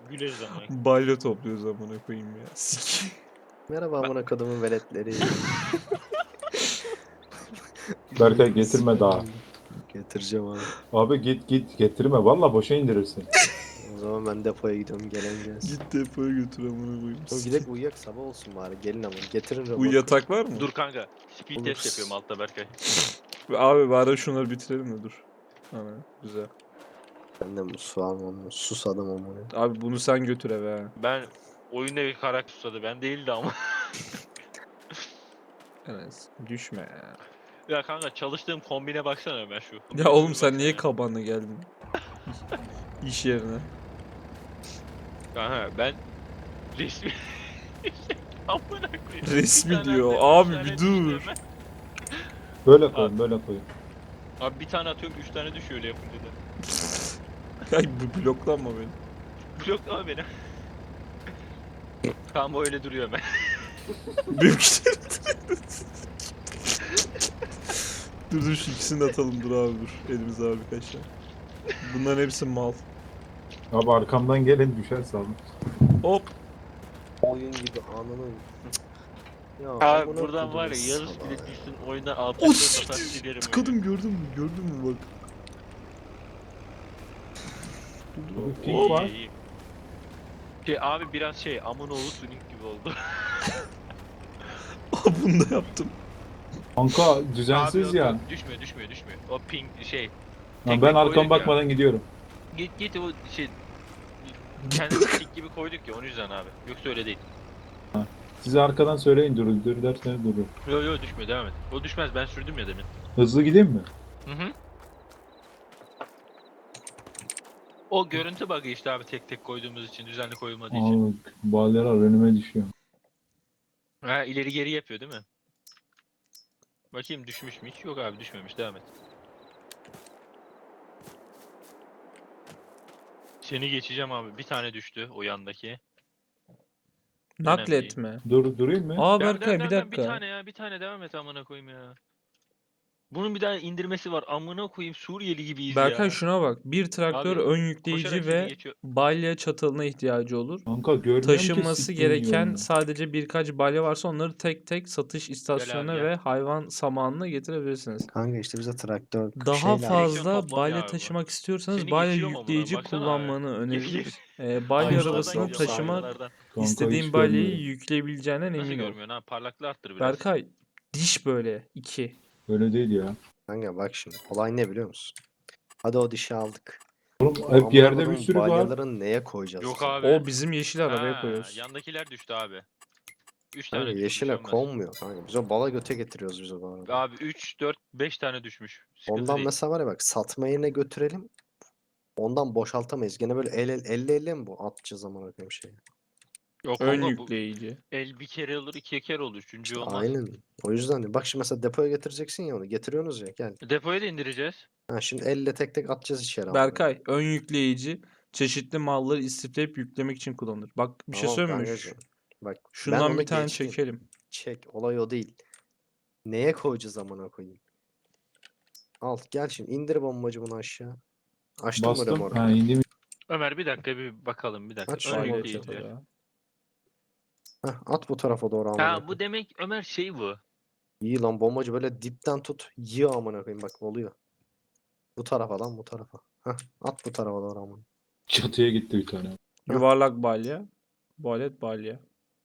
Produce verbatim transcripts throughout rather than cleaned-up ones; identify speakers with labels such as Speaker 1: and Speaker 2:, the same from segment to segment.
Speaker 1: Güleriz ama.
Speaker 2: Balya topluyoruz amına koyayım ya. Sik.
Speaker 3: Merhaba amına kodumun veletleri.
Speaker 4: Berkay getirme daha.
Speaker 3: Getireceğim abi.
Speaker 4: Abi git git getirme. Valla boşa indirirsin.
Speaker 3: O zaman ben depoya gidiyorum, gelen gelsin.
Speaker 2: Git depoya götür amına koyayım.
Speaker 3: Oğlum gidelim uyuyak, sabah olsun bari, gelin ama getirin
Speaker 2: Bu
Speaker 3: remote.
Speaker 2: yatak var mı?
Speaker 1: Dur kanka. Speed
Speaker 3: Olur.
Speaker 1: test yapıyorum altta Berkay.
Speaker 2: Abi bari şunları bitirelim de dur. Ana güzel.
Speaker 3: Ben de su almam, susadım amına.
Speaker 2: Abi bunu sen götür eve ha.
Speaker 1: Ben oyunda bir karakter susadı. Ben değildi ama.
Speaker 2: Enes düşme ya.
Speaker 1: Ya kanka çalıştığım kombine baksana Ömer şu.
Speaker 2: Ya oğlum sen
Speaker 1: Baksana.
Speaker 2: niye kabanla geldin? İş yerine.
Speaker 1: Kanka ben resmi... Amına koyayım.
Speaker 2: Resmi
Speaker 1: Bir tane
Speaker 2: diyor.
Speaker 1: atıyorum,
Speaker 2: Abi
Speaker 1: üç tane
Speaker 2: bir
Speaker 1: düşüyor
Speaker 2: dur.
Speaker 1: hemen.
Speaker 4: Böyle koyun böyle koyun.
Speaker 1: Abi bir tane atıyorum üç tane düşüyor öyle yapınca da.
Speaker 2: Ay bu bloklanma beni.
Speaker 1: Bloklama beni. Tamam öyle duruyor hemen.
Speaker 2: Benimkileri Dur dur şu ikisini de atalım dur abi dur. Elimize abi birkaç tane. Bunların hepsi mal.
Speaker 4: Abi arkamdan gelin düşerse abi.
Speaker 2: Hop.
Speaker 3: Oyun gibi ananı. Ya
Speaker 1: Abi
Speaker 3: amına
Speaker 1: buradan var ya
Speaker 3: kodumun
Speaker 1: yarış
Speaker 3: salağı
Speaker 1: bile
Speaker 3: ya.
Speaker 1: düşsün oyundan altı
Speaker 2: O
Speaker 1: satar silerim.
Speaker 2: tıkadım gördün mü? Gördün mü bak.
Speaker 4: Abi
Speaker 1: İyi,
Speaker 4: pink var.
Speaker 1: iyi, iyi. Şey abi biraz şey Amunoğlu Sonic gibi oldu.
Speaker 2: Aa bunu da yaptım.
Speaker 4: Kanka
Speaker 1: Abi
Speaker 4: düzensiz
Speaker 1: yok,
Speaker 4: ya.
Speaker 1: yok, düşmüyor düşmüyor düşmüyor. O pink şey.
Speaker 4: Lan
Speaker 1: tek
Speaker 4: ben
Speaker 1: tek
Speaker 4: arkam
Speaker 1: koyduk
Speaker 4: bakmadan gidiyorum.
Speaker 1: Git git o şey. Kendi stick gibi koyduk ya onun yüzden abi. Yoksa öyle değil.
Speaker 4: Size arkadan söyleyin durun. Dur derseniz durun.
Speaker 1: Yo yo düşmüyor devam et. O düşmez ben sürdüm ya demin.
Speaker 4: Hızlı gideyim mi?
Speaker 1: Hı hı. O görüntü bug'ı işte abi tek tek koyduğumuz için düzenli koyulmadığı için.
Speaker 4: Abi balyalar önüme düşüyor.
Speaker 1: Ha ileri geri yapıyor değil mi? Bakayım düşmüş mü hiç? Yok abi düşmemiş devam et. Seni geçeceğim abi. Bir tane düştü o yandaki.
Speaker 2: Nakletme.
Speaker 4: Dur durayım mı?
Speaker 2: Aa
Speaker 1: Devam,
Speaker 2: Berkay
Speaker 1: devam,
Speaker 2: bir
Speaker 1: devam, devam. Bir
Speaker 2: dakika.
Speaker 1: tane ya bir tane devam et amına koyayım ya. Bunun bir daha indirmesi var. Amına koyayım Suriyeli gibiyiz
Speaker 2: Berkay
Speaker 1: ya.
Speaker 2: şuna bak. Bir traktör
Speaker 1: Abi,
Speaker 2: ön
Speaker 1: Koşarak
Speaker 2: yükleyici
Speaker 1: seni
Speaker 2: ve
Speaker 1: geçiyor.
Speaker 2: balya çatalına ihtiyacı olur.
Speaker 4: Kanka görmüyorum ki
Speaker 2: Taşınması
Speaker 4: siktiğim
Speaker 2: gereken
Speaker 4: yolunu.
Speaker 2: sadece birkaç balya varsa onları tek tek satış istasyonuna
Speaker 1: gel.
Speaker 2: ve hayvan samanına getirebilirsiniz.
Speaker 3: Kanka işte bize traktör
Speaker 2: Daha
Speaker 3: şeyler.
Speaker 2: fazla
Speaker 1: toplamıyor
Speaker 2: balya
Speaker 1: abi bu.
Speaker 2: taşımak istiyorsanız
Speaker 1: Seni
Speaker 2: balya
Speaker 1: geçiyor mu amına?
Speaker 2: yükleyici
Speaker 1: Baksana abi.
Speaker 2: kullanmanı
Speaker 1: Geri
Speaker 2: öneririz. Ee,
Speaker 1: Aynalardan
Speaker 2: balya
Speaker 3: Aynalardan
Speaker 2: arabasını
Speaker 3: gidiyorum,
Speaker 2: taşımak
Speaker 1: aynalardan.
Speaker 4: Kanka
Speaker 2: istediğin
Speaker 4: hiç
Speaker 2: balyayı
Speaker 4: görmüyorum.
Speaker 2: yükleyebileceğinden
Speaker 1: Nasıl
Speaker 2: emin ol.
Speaker 1: görmüyorsun ha? Parlaklığı arttır biraz.
Speaker 2: Berkay diş böyle iki.
Speaker 4: Öyle değil ya.
Speaker 3: Kanka bak şimdi olay ne biliyor musun? Hadi o dişi aldık.
Speaker 4: Oğlum hep
Speaker 3: Amına
Speaker 4: yerde bir
Speaker 3: kodumun
Speaker 4: sürü var.
Speaker 3: balyaların neye koyacağız?
Speaker 1: Yok
Speaker 3: biz?
Speaker 1: abi.
Speaker 2: O bizim yeşil arabaya
Speaker 1: Ha,
Speaker 2: koyuyoruz.
Speaker 1: yandakiler düştü abi. üç
Speaker 3: Kanka
Speaker 1: tane düşmüş
Speaker 3: yeşile
Speaker 1: olmaz.
Speaker 3: konmuyor kanka. Biz o bala göte getiriyoruz biz o bala.
Speaker 1: Abi üç, dört, beş tane düşmüş. Sıkıntı
Speaker 3: Ondan
Speaker 1: değil.
Speaker 3: mesela var ya bak, satma yerine götürelim. Ondan boşaltamayız. Gene böyle el el elle elle mi bu atacağız zaman koyayım şeyi.
Speaker 1: Yok
Speaker 2: Ön
Speaker 1: kanka bu
Speaker 2: yükleyici.
Speaker 1: el bir kere olur iki kere olur. Üçüncü olmaz.
Speaker 3: Aynen. O yüzden de bak şimdi mesela depoya getireceksin ya onu. Getiriyorsunuz ya gel.
Speaker 1: Depoya da indireceğiz.
Speaker 3: Ha şimdi elle tek tek atacağız içeri. amına.
Speaker 2: Berkay ön yükleyici çeşitli malları istifleyip yüklemek için kullanılır. Bak bir şey
Speaker 3: Tamam
Speaker 2: söyleyeyim mi?
Speaker 3: kankacığım. Bak ben
Speaker 2: Şundan
Speaker 3: onu
Speaker 2: bir tane
Speaker 3: geçtim.
Speaker 2: çekelim.
Speaker 3: Çek. Olay o değil. Neye koyacağız amına koyayım? Al gel şimdi indir bombacı bunu aşağı. Açtın mı
Speaker 4: Bastım.
Speaker 3: remorku?
Speaker 4: Ha indim.
Speaker 1: Ömer bir dakika bir bakalım bir dakika.
Speaker 3: Aç
Speaker 1: Ön
Speaker 3: şunu
Speaker 2: Balya
Speaker 3: bakayım.
Speaker 1: yükleyici.
Speaker 2: çatalı.
Speaker 3: Heh, at bu tarafa doğru amına
Speaker 1: Ha
Speaker 3: koyayım.
Speaker 1: bu demek Ömer şey bu.
Speaker 3: İyi lan bombacı böyle dipten tut. Yığ amına koyayım bak oluyor. Bu tarafa lan bu tarafa. Heh, at bu tarafa doğru amına.
Speaker 4: Çatıya gitti bir tane.
Speaker 2: Yuvarlak balya. Balet balya.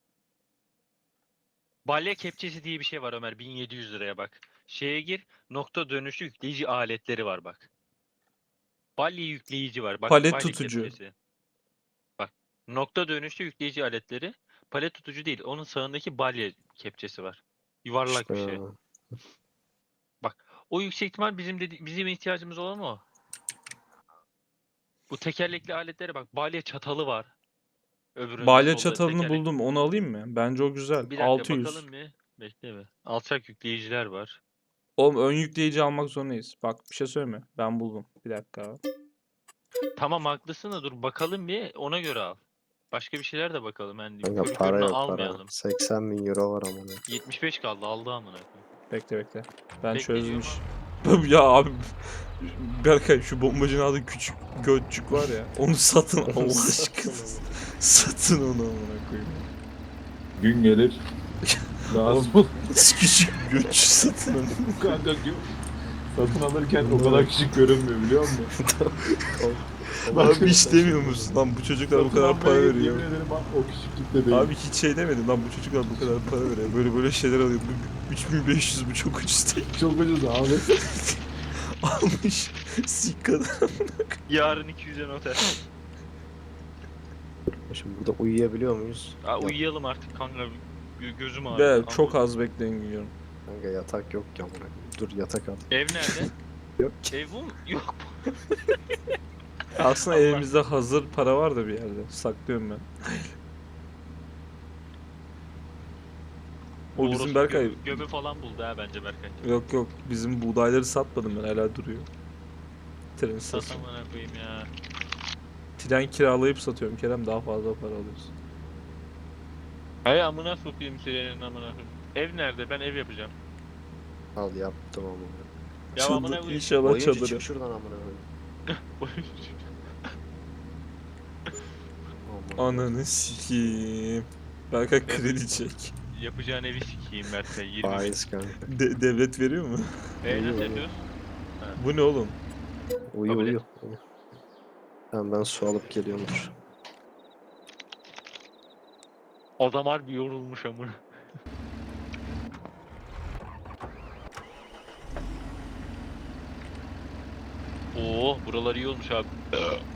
Speaker 1: Balya kepçesi diye bir şey var Ömer bin yedi yüz liraya bak. Şeye gir nokta dönüşü yükleyici aletleri var bak. Balya yükleyici var bak.
Speaker 2: Palet
Speaker 1: balya
Speaker 2: tutucu.
Speaker 1: kepçesi. Bak nokta dönüşü yükleyici aletleri. Palet tutucu değil onun sağındaki balya kepçesi var. Yuvarlak bir
Speaker 3: İşte
Speaker 1: şey. O yüksek ihtimal bizim dedi bizim ihtiyacımız olan o. Bu tekerlekli aletlere bak. Balya çatalı var. Öbüründe
Speaker 2: Balya
Speaker 1: solda
Speaker 2: çatalını
Speaker 1: tekerlek-
Speaker 2: buldum. Onu alayım mı? Bence o güzel.
Speaker 1: Bir dakika
Speaker 2: altı yüz.
Speaker 1: bakalım bir. Bekle mi? Alçak yükleyiciler var.
Speaker 2: Oğlum ön yükleyici almak zorundayız. Bak bir şey söyleme. Ben buldum. Bir dakika.
Speaker 1: Tamam haklısın da dur bakalım bir ona göre al. Başka bir şeyler de bakalım. Yani
Speaker 3: kanka
Speaker 1: körü
Speaker 3: para
Speaker 1: körüne
Speaker 3: yok para.
Speaker 1: almayalım.
Speaker 3: seksen bin euro var amına.
Speaker 1: yetmiş beş kaldı aldı amına koyayım.
Speaker 2: Bekle bekle. Ben
Speaker 1: Bekle
Speaker 2: çözdüm
Speaker 1: diyor
Speaker 2: iş. Ya abi. Berkay şu bombacının adı küçük götçük var ya. Onu satın Allah aşkına. Satın onu amına koyayım.
Speaker 4: Gün gelir. Lazım olur.
Speaker 2: Küçük göç satın onu.
Speaker 4: Kanka gün. Satın alırken o kadar küçük görünmüyor biliyor musun?
Speaker 2: Abi hiç demiyor musun? Lan bu çocuklar bu
Speaker 4: Satın
Speaker 2: kadar
Speaker 4: almaya
Speaker 2: para
Speaker 4: git,
Speaker 2: veriyor.
Speaker 4: Yemin ederim bak o küçüklükte değil.
Speaker 2: Abi hiç şey demedim lan bu çocuklar bu kadar para veriyor. Böyle böyle şeyler alıyor. Bu- üç bin beş yüz bu çok ucuz değil.
Speaker 4: Çok ucuz abi.
Speaker 2: Almış. Sik kadar.
Speaker 1: Yarın iki yüze noter.
Speaker 3: Şimdi burada uyuyabiliyor muyuz?
Speaker 1: Aa,
Speaker 3: Yok.
Speaker 1: uyuyalım artık kanka. Gö- gözüm ağrıyor.
Speaker 2: Be çok az bekleyin gidiyorum.
Speaker 3: Kanka yatak yok ki amına koyayım. Dur yatak al.
Speaker 1: Ev nerede?
Speaker 3: Yok ki.
Speaker 1: Ev bu mu? Yok.
Speaker 2: Aslında
Speaker 1: Allah.
Speaker 2: elimizde hazır para var da bir yerde. Saklıyorum ben. O bizim
Speaker 1: Orospu
Speaker 2: Berkay.
Speaker 1: Gömü, gömü falan buldu ha bence Berkay.
Speaker 2: Yok yok bizim buğdayları satmadım ben hala duruyor. Tren istasyonu.
Speaker 1: Satamana koyayım ya.
Speaker 2: Tren kiralayıp satıyorum Kerem daha fazla para alıyorsun.
Speaker 1: Hay amına sokayım senin amına koyayım. Ev nerede? Ben ev yapacağım.
Speaker 3: Al yaptım amına.
Speaker 1: Ya amına
Speaker 2: Çadır,
Speaker 1: koyayım.
Speaker 2: inşallah
Speaker 3: Oyuncu
Speaker 2: çadırı.
Speaker 3: çık şuradan amına koyayım. Aman.
Speaker 2: Ananı sikiyim. Berkay kredi çek.
Speaker 1: Yapacağın evi sikeyim Berkay. yirmi bin.
Speaker 3: Faiz kanka.
Speaker 2: De- devlet veriyor mu?
Speaker 1: E nasıl
Speaker 3: Uyuyor,
Speaker 1: yapıyoruz?
Speaker 2: Bu ne oğlum?
Speaker 3: Uyu
Speaker 1: Kabul et.
Speaker 3: uyu. uyu. Tamam ben su alıp geliyorum dur.
Speaker 1: Adam harbi yorulmuş amına. Oo, buralar iyi olmuş abi.